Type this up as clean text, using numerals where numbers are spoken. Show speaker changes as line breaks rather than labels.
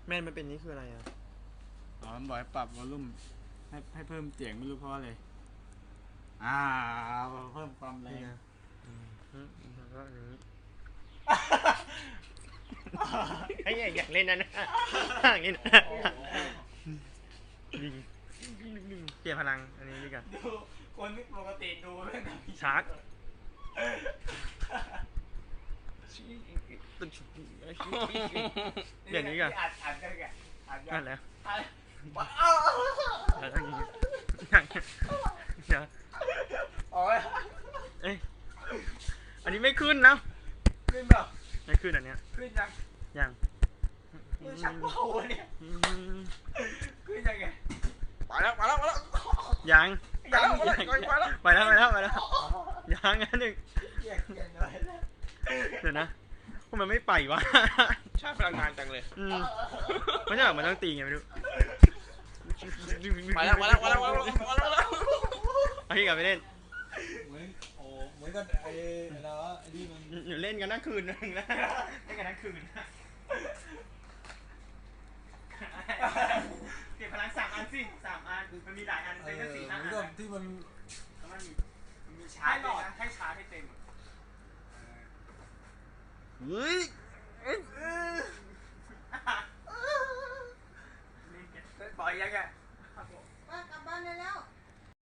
แม่นมันเป็นนี่คืออะไรอ่ะ
อ๋อมันบอกให้ปรับวอลลุ่มให้เพิ่มเสียงไม่รู้เพราะอะไรเพิ่มความแรง
แล้วก็อย่างนี้ไอ้อยากเล่นนั่นนะอย่างนี้นะเปลี่ยนพลังอันนี้ดีกว่า
ดูคนปกติดูไม่ได้
ชาร์จเปลี่ยนนี้ก่อน
อัดกันแก
นั่นแหละเอ้ยอันนี้ไม่ขึ้นนะ
ขึ้นเปล่า
ไม่ขึ้นอันเนี้ย
ขึ้น
ยัง
ชักเบาเนี่ยขึ้นยังไงไปแล้ว
ยัง
ไป
แล้วยังอันหนึ่งเดี๋ยวนะพวกมันไม่ไปวะ
ใช้พลังงานจังเลย
ไม่ใช่หรอมันต้องตีไงไม่รู้
ไปแล้ว
เอาที่กลับไปเล่น
เหมือนกันไอ้นี่มัน
เล่นกันทั้งคืนนึงนะเล่นกันทั้งคืนเก็บพลัง3 อันสิ3 อันมันมีหลายอันใช้แค่4 5 อัน
ที่มัน
มีชาร์จให้ชาร์จให้เต็มเฮ้ย